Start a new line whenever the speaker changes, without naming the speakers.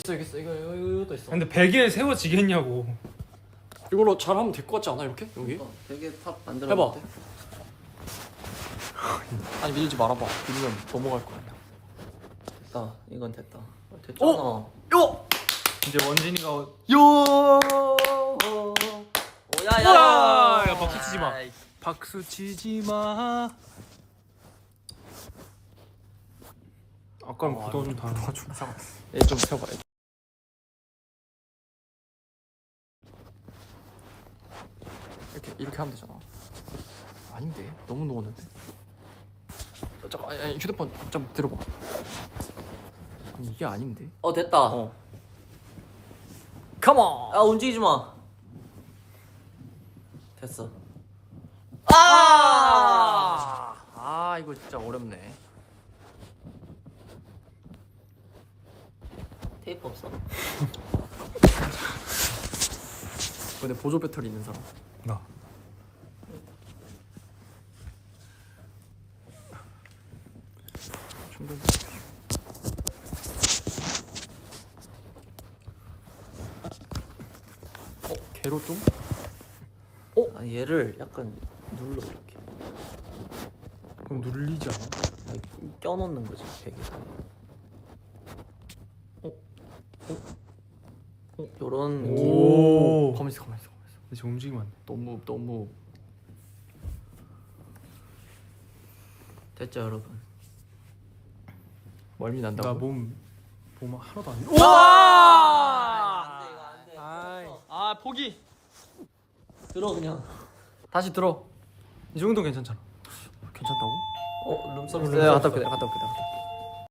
있어 이것도 있어.
근데 베개에 세워지겠냐고.
이걸로 잘하면 될 것 같지 않아 이렇게 여기?
되게 탑 만들어.
해봐. 아니 밀지 말아봐. 밀면 넘어갈 거야.
됐다. 이건 됐다. 됐잖아.
요!
이제 원진이가
요!
오야야.
야 박수 치지 마. 박수 치지 마. 아까랑 구도가 좀 다른 거 같아.
얘좀 세워봐. 이렇게 하면 되잖아. 아닌데 너무 누웠는데. 잠깐 아니 휴대폰 좀 들어봐. 아니 이게 아닌데.
됐다.
컴온.
야 움직이지 마. 됐어.
아 이거 진짜 어렵네.
테이프 없어?
근데 보조 배터리 있는 사람.
나.
충전. 개로 좀?
아, 얘를 약간 눌러 이렇게.
그럼 눌리지 않아?
껴놓는 거지 베개 사이에. 요런 느낌.
오.
가만 있어.
지금 움직이면 안 돼.
너무
됐죠 여러분.
멀미 난다고.
나 몸 하나도 안 돼.
와! 안돼 이거 안돼.
아 포기.
들어 그냥.
다시 들어.
이 정도 괜찮잖아.
괜찮다고?
룸서비스.
네, 갔다 올게.